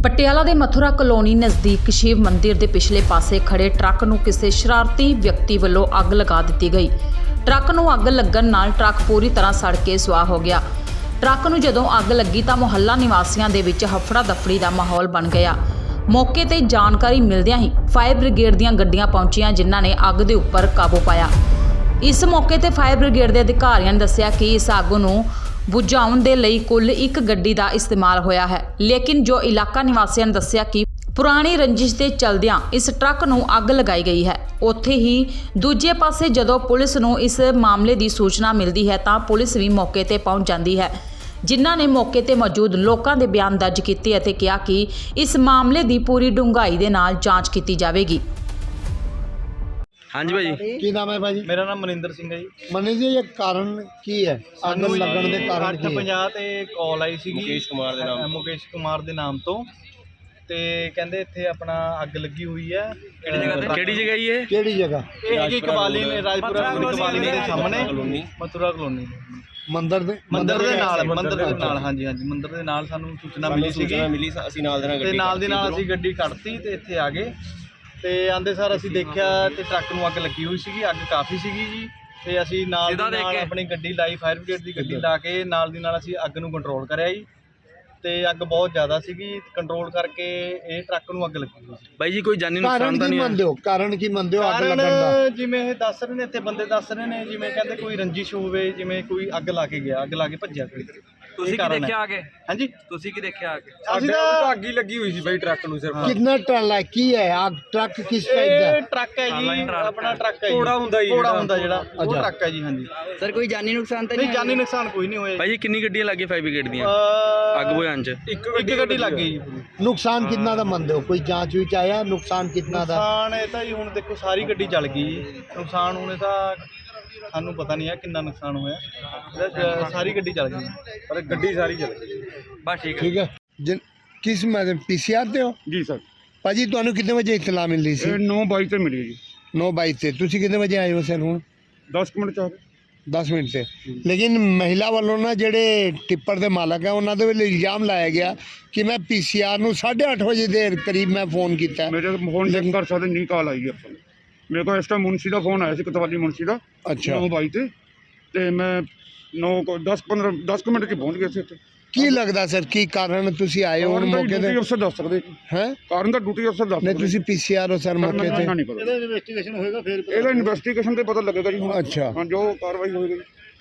ਪਟਿਆਲਾ ਦੇ ਮਥੁਰਾ ਕਲੋਨੀ ਨਜ਼ਦੀਕ ਸ਼ਿਵ ਮੰਦਿਰ ਦੇ ਪਿਛਲੇ ਪਾਸੇ ਖੜੇ ਟਰੱਕ ਨੂੰ ਕਿਸੇ ਸ਼ਰਾਰਤੀ ਵਿਅਕਤੀ ਵੱਲੋਂ ਅੱਗ ਲਗਾ ਦਿੱਤੀ ਗਈ। ਟਰੱਕ ਨੂੰ ਅੱਗ ਲੱਗਣ ਨਾਲ ਟਰੱਕ ਪੂਰੀ ਤਰ੍ਹਾਂ ਸੜ ਕੇ ਸੁਆਹ ਹੋ ਗਿਆ। ਟਰੱਕ ਨੂੰ ਜਦੋਂ ਅੱਗ ਲੱਗੀ ਤਾਂ ਮੁਹੱਲਾ ਨਿਵਾਸੀਆਂ ਦੇ ਵਿੱਚ ਹਫੜਾ ਦਫੜੀ ਦਾ ਮਾਹੌਲ ਬਣ ਗਿਆ। ਮੌਕੇ ਤੇ ਜਾਣਕਾਰੀ ਮਿਲਦਿਆਂ ਹੀ ਫਾਇਰ ਬ੍ਰਿਗੇਡ ਦੀਆਂ ਗੱਡੀਆਂ ਪਹੁੰਚੀਆਂ, ਜਿਨ੍ਹਾਂ ਨੇ ਅੱਗ ਦੇ ਉੱਪਰ ਕਾਬੂ ਪਾਇਆ। ਇਸ ਮੌਕੇ ਤੇ ਫਾਇਰ ਬ੍ਰਿਗੇਡ ਦੇ ਅਧਿਕਾਰੀਆਂ ਨੇ ਦੱਸਿਆ ਕਿ ਇਸ ਅੱਗ ਨੂੰ ਬੁਝਾਉਣ ਦੇ ਲਈ ਕੁੱਲ ਇੱਕ ਗੱਡੀ ਦਾ ਇਸਤੇਮਾਲ ਹੋਇਆ ਹੈ, ਲੇਕਿਨ ਜੋ ਇਲਾਕਾ ਨਿਵਾਸੀਆਂ ਨੇ ਦੱਸਿਆ ਕਿ ਪੁਰਾਣੀ ਰੰਜਿਸ਼ ਦੇ ਚਲਦਿਆਂ ਇਸ ਟਰੱਕ ਨੂੰ ਅੱਗ ਲਗਾਈ ਗਈ ਹੈ। ਉੱਥੇ ਹੀ ਦੂਜੇ ਪਾਸੇ ਜਦੋਂ ਪੁਲਿਸ ਨੂੰ ਇਸ ਮਾਮਲੇ ਦੀ ਸੂਚਨਾ ਮਿਲਦੀ ਹੈ ਤਾਂ ਪੁਲਿਸ ਵੀ ਮੌਕੇ ਤੇ ਪਹੁੰਚ ਜਾਂਦੀ ਹੈ, ਜਿਨ੍ਹਾਂ ਨੇ ਮੌਕੇ ਤੇ ਮੌਜੂਦ ਲੋਕਾਂ ਦੇ ਬਿਆਨ ਦਰਜ ਕੀਤੇ ਅਤੇ ਕਿਹਾ ਕਿ ਇਸ ਮਾਮਲੇ ਦੀ ਪੂਰੀ ਡੂੰਘਾਈ ਦੇ ਨਾਲ ਜਾਂਚ ਕੀਤੀ ਜਾਵੇਗੀ। हाँ जी भाजी, ਕੀ ਨਾਮ ਹੈ ਭਾਜੀ? ਮੇਰਾ ਨਾਮ ਮਨਿੰਦਰ ਸਿੰਘ ਹੈ ਜੀ। ਮਨੀ ਜੀ, ਇਹ ਕਾਰਨ ਕੀ ਹੈ? ਅੱਗ ਲੱਗਣ ਦੇ ਕਾਰਨ ਕੀ ਹੈ? 8:50 ਤੇ ਕਾਲ ਆਈ ਸੀਗੀ ਮੁਕੇਸ਼ ਕੁਮਾਰ ਦੇ ਨਾਮ ਮੁਕੇਸ਼ ਕੁਮਾਰ ਦੇ ਨਾਮ ਤੋਂ, ਤੇ ਕਹਿੰਦੇ ਇੱਥੇ ਆਪਣਾ ਅੱਗ ਲੱਗੀ ਹੋਈ ਹੈ। ਕਿਹੜੀ ਜਗ੍ਹਾ ਜੀ ਇਹ? ਕਿਹੜੀ ਜਗ੍ਹਾ? ਇਹ ਹੈਗੀ ਕਵਾਲੀ ਨੇ, ਰਾਜਪੁਰਾ ਕਵਾਲੀ ਦੇ ਸਾਹਮਣੇ ਮਥੁਰਾ ਕਲੋਨੀ ਮੰਦਿਰ ਦੇ ਮੰਦਿਰ ਦੇ ਨਾਲ ਹਾਂਜੀ ਮੰਦਿਰ ਦੇ ਨਾਲ ਸਾਨੂੰ ਸੂਚਨਾ ਮਿਲੀ ਸੀਗੀ। ਅਸੀਂ ਨਾਲ ਦੇ ਨਾਲ ਤੇ ਨਾਲ ਦੀ ਨਾਲ ਅਸੀਂ ਗੱਡੀ ਕੱਢਤੀ ਤੇ ਇੱਥੇ ਆ ਗਏ। ਤੇ ਆਂਦੇ ਸਾਰ ਅਸੀਂ ਦੇਖਿਆ ਤੇ ਟਰੱਕ ਨੂੰ ਅੱਗ ਲੱਗੀ ਹੋਈ ਸੀਗੀ, ਅੱਗ ਕਾਫੀ ਸੀਗੀ ਜੀ। ਤੇ ਅਸੀਂ ਨਾਲ ਦੀ ਨਾਲ ਆਪਣੀ ਗੱਡੀ ਲਾਈ, ਫਾਇਰ ਬ੍ਰਿਗੇਡ ਦੀ ਗੱਡੀ ਲਾ ਕੇ ਨਾਲ ਦੀ ਨਾਲ ਅਸੀਂ ਅੱਗ ਨੂੰ ਕੰਟਰੋਲ ਕਰਿਆ ਜੀ। ਤੇ ਅੱਗ ਬਹੁਤ ਜ਼ਿਆਦਾ ਸੀਗੀ, ਕੰਟਰੋਲ ਕਰਕੇ ਇਹ ਟਰੱਕ ਨੂੰ ਅੱਗ ਲੱਗੀ ਹੋਈ ਸੀ। ਬਾਈ ਜੀ ਕੋਈ ਜਾਨੀ ਕਾਰਨ ਨੁਕਸਾਨ ਤਾਂ ਕੀ ਨਹੀਂ ਮੰਨਦੇ ਹੋ? ਕਾਰਨ ਕੀ ਮੰਨਦੇ ਹੋ ਅੱਗ ਲੱਗਣ ਦਾ? ਕਾਰਨ ਜਿਵੇਂ ਇਹ ਦੱਸ ਰਹੇ ਨੇ, ਇੱਥੇ ਬੰਦੇ ਦੱਸ ਰਹੇ ਨੇ, ਜਿਵੇਂ ਕਹਿੰਦੇ ਕੋਈ ਰੰਜਿਸ਼ ਹੋਵੇ, ਜਿਵੇਂ ਕੋਈ ਅੱਗ ਲਾ ਕੇ ਗਿਆ, ਅੱਗ ਲਾ ਕੇ ਭੱਜਿਆ ਕੋਈ। ਤੁਸੀਂ ਕੀ ਦੇਖਿਆ ਆ ਕੇ? ਹਾਂਜੀ, ਤੁਸੀਂ ਕੀ ਦੇਖਿਆ ਆ ਕੇ? ਅਸੀਂ ਤਾਂ ਅੱਗ ਹੀ ਲੱਗੀ ਹੋਈ ਸੀ ਬਾਈ ਟਰੱਕ ਨੂੰ ਸਿਰਫ। ਕਿੰਨਾ ਟਨ ਹੈ? ਕੀ ਹੈ ਅੱਗ? ਟਰੱਕ ਕਿਸ ਟਾਈਪ ਦਾ ਇਹ ਹੈ? ਟਰੱਕ ਹੈ ਜੀ, ਆਪਣਾ ਟਰੱਕ ਹੈ ਜੀ, ਘੋੜਾ ਹੁੰਦਾ ਜੀ, ਘੋੜਾ ਹੁੰਦਾ ਜਿਹੜਾ, ਉਹ ਅੱਛਾ। ਟਰੱਕ ਹੈ ਜੀ। ਹਾਂਜੀ ਸਰ ਕੋਈ ਜਾਨੀ ਨੁਕਸਾਨ ਤਾਂ ਨਹੀਂ, ਜਾਨੀ ਨੁਕਸਾਨ ਕੋਈ ਨਹੀਂ ਹੋਇਆ ਬਾਈ ਜੀ ਕਿੰਨੀ ਗੱਡੀਆਂ ਲੱਗੀਆਂ ਫਾਇਰ ਬ੍ਰਿਗੇਡ ਦੀਆਂ ਅੱਗ ਬੁਝਾਉਣ ਚ? ਇੱਕ ਗੱਡੀ ਲੱਗ ਗਈ ਜੀ। ਨੁਕਸਾਨ ਕਿੰਨਾ ਦਾ ਮੰਨਦੇ ਹੋ? ਕੋਈ ਜਾਂਚ ਵਿੱਚ ਆਇਆ ਨੁਕਸਾਨ ਕਿੰਨਾ ਦਾ? ਨੁਕਸਾਨ ਇਹ ਤਾਂ ਜੀ ਹੁਣ ਦੇਖੋ ਸਾਰੀ ਗੱਡੀ ਜਲ ਗਈ ਜੀ। ਨੁਕਸਾਨ ਹੁਣ ਇਹ ਤਾਂ ਸਾਨੂੰ ਪਤਾ ਨਹੀਂ ਹੈ ਕਿੰਨਾ ਨੁਕਸਾਨ ਹੋਇਆ, ਸਾਰੀ ਗੱਡੀ ਜਲ ਗਈ, ਪਰ ਗੱਡੀ ਸਾਰੀ ਜਲ ਗਈ। ਬਸ ਠੀਕ ਹੈ। ਠੀਕ ਹੈ। ਕਿਸ ਮੈਡਮ ਪੀਸੀਆਰ ਤੇ ਹੋ? ਜੀ ਸਰ, ਭਾਜੀ ਤੁਹਾਨੂੰ ਕਿੰਨੇ ਵਜੇ ਇਤਲਾ ਮਿਲੀ ਸੀ? ਇਹ 9:22 ਤੇ ਮਿਲੀ ਜੀ। 9:22 ਤੇ ਤੁਸੀਂ ਕਿੰਨੇ ਵਜੇ ਆਏ ਹੋ ਸਰ? ਹੁਣ 10 ਮਿੰਟ ਚਾਹ 10 ਮਿੰਟ ਤੇ। ਲੇਕਿਨ ਮਹਿਲਾ ਵੱਲੋਂ ਨਾ ਜਿਹੜੇ ਟਿੱਪਰ ਦੇ ਮਾਲਕ ਹੈ ਉਹਨਾਂ ਦੇ ਵੱਲੋਂ ਇਲਜ਼ਾਮ ਲਾਇਆ ਗਿਆ ਕਿ ਮੈਂ ਪੀਸੀਆਰ ਨੂੰ 8:30 ਵਜੇ ਦੇ ਕਰੀਬ ਮੈਂ ਫੋਨ ਕੀਤਾ। ਮੇਰੇ ਫੋਨ ਚੈੱਕ ਕਰ ਸਕਦੇ ਨਹੀਂ, ਕਾਲ ਆਈ ਹੈ ਆਪਾਂ ਨੂੰ। ਮੇਰੇ ਕੋਲ ਇਸ ਟਾਈਮ ਮੁਨਸੀ ਦਾ ਫੋਨ ਆਇਆ ਸੀ, ਕਤਵਾਲੀ ਮੁਨਸੀ ਦਾ। ਅੱਛਾ। 9:22 ਤੇ ਮੈਂ 10 ਮਿੰਟ 'ਚ ਪਹੁੰਚ ਗਿਆ ਸੀ ਇੱਥੇ। ਕੀ ਲੱਗਦਾ ਸਰ ਕੀ ਕਾਰਨ ਤੁਸੀਂ ਆਏ ਹੋ ਹੁਣ ਮੌਕੇ ਤੇ? ਡਿਊਟੀ ਅਫਸਰ ਦੱਸ ਸਕਦੇ ਹੈ ਕਾਰਨ ਦਾ, ਡਿਊਟੀ ਅਫਸਰ ਦੱਸ ਨਹੀਂ ਸਕਦੇ। ਤੁਸੀਂ ਪੀਸੀਆਰ ਹੋ ਸਰ ਮੌਕੇ ਤੇ? ਨਹੀਂ ਪਤਾ। ਇਹਦਾ ਇਨਵੈਸਟੀਗੇਸ਼ਨ ਹੋਏਗਾ ਫਿਰ ਇਹਦਾ ਇਨਵੈਸਟੀਗੇਸ਼ਨ ਤੇ ਪਤਾ ਲੱਗੇਗਾ ਜੀ ਹੁਣ। ਅੱਛਾ। ਹਾਂ, ਜੋ ਕਾਰਵਾਈ ਹੋਏਗੀ।